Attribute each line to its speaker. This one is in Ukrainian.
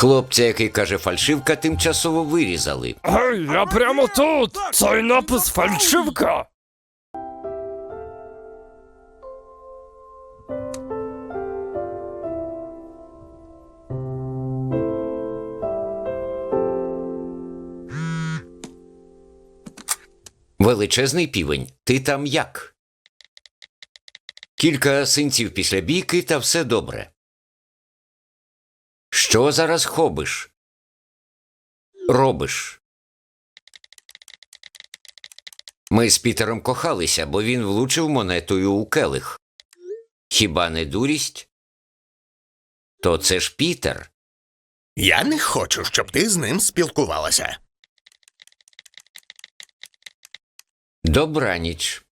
Speaker 1: Хлопця, який каже фальшивка, тимчасово вирізали.
Speaker 2: Гей, я прямо тут! Цей напис фальшивка!
Speaker 1: Величезний півень, ти там як? Кілька синців після бійки, та все добре. Що зараз хобиш? Робиш? Ми з Пітером кохалися, бо він влучив монетою у келих. Хіба не дурість? То це ж Пітер.
Speaker 3: Я не хочу, щоб ти з ним спілкувалася.
Speaker 1: Добраніч.